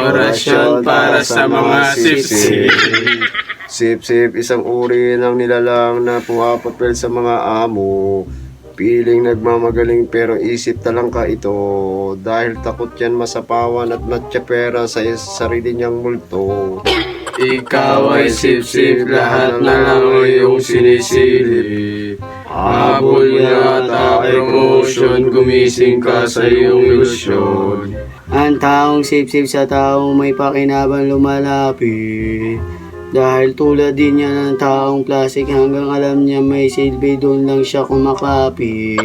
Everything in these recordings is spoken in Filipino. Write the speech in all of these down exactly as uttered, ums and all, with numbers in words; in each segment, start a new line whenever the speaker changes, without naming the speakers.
Orasyon para sa mga sipsip.
Sipsip, isang uri ng nilalang na pumapapel sa mga amo. Piling nagmamagaling pero isip talangka ito. Dahil takot yan masapawan at matsyapera sa sarili niyang multo.
Ikaw ay sipsip, lahat na lang iyong sinisili. Habol mo yata ay promotion, gumising ka sa iyong ilusyon.
Ang taong sip-sip sa taong may pakinabang lumalapit. Dahil tulad din niya ng taong plastic, hanggang alam niya may silbi, doon lang siya kumakapit.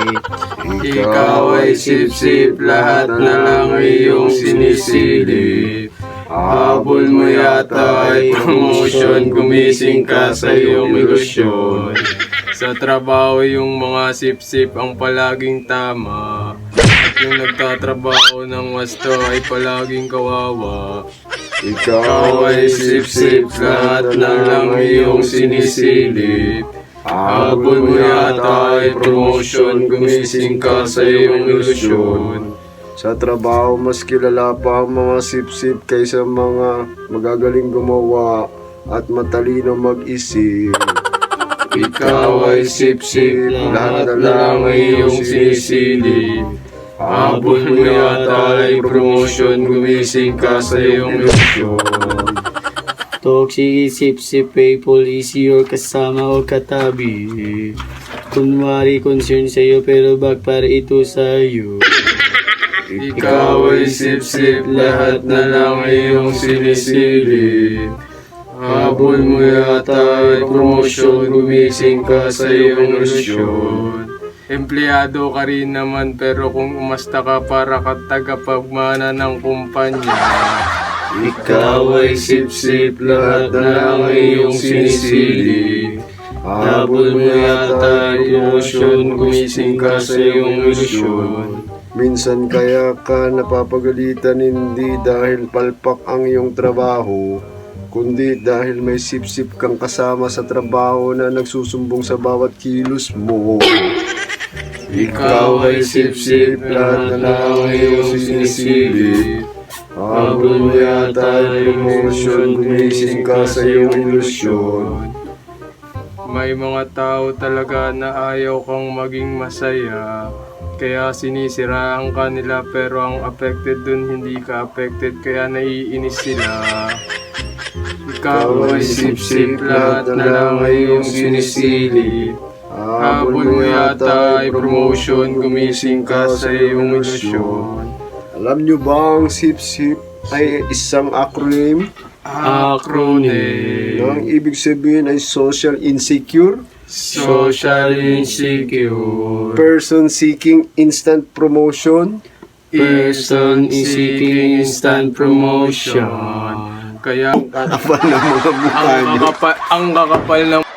Ikaw ay sip-sip, lahat na lang iyong sinisili. Habol mo yata ay promotion, gumising ka sa iyong ilusyon. Sa trabaho yung mga sip-sip ang palaging tama. At yung nagtatrabaho ng wasto ay palaging kawawa. Ikaw ay sip-sip, lahat na lang iyong sinisilip. Habol mo yata ay promotion, gumising ka sa iyong ilusyon.
Sa trabaho, mas kilala pa ang mga sip-sip kaysa mga magagaling gumawa at matalino mag-isip.
Ikaw ay sip-sip, lahat na lang iyong sinisilip. Habol mo yata ay promotion, gumising ka sa iyong ilusyon.
Toxic sip-sip people is your kasama o katabi. Kunwari concern sa'yo pero backfire ito sa'yo.
Ikaw ay sip-sip, lahat na lang iyong sinisilip. Habol mo yata ay promotion, gumising ka sa iyong ilusyon. Empleyado ka rin naman pero kung umasta ka para ka tagapagmana ng kumpanya. Ikaw ay sip-sip, lahat na lang iyong sinisili. Habol mo yata ay promotion, gumising ka sa iyong ilusyon.
Minsan kaya ka napapagalitan hindi dahil palpak ang iyong trabaho, kundi dahil may sip-sip kang kasama sa trabaho na nagsusumbong sa bawat kilos mo.
Ikaw ay sip-sip, lahat na lang iyong sinisili. Habol mo yata ay promotion, gumising ka sa iyong ilusyon. May mga tao talaga na ayaw kang maging masaya. Kaya sinisiraan ka nila pero ang affected dun hindi ka affected kaya naiinis sila. Ikaw ay sip-sip, lahat na lang iyong sinisili. Habol mo yata ay promotion, gumising ka sa iyong ilusyon.
Alam nyo ba ang sip-sip ay isang acronym?
Acronym.
Ang ibig sabihin ay social insecure,
Social insecure.
person seeking instant promotion,
Person seeking instant promotion. Kaya
kakapal ng mga mukha
ang
nyo.
kakapal, ang kakapal ng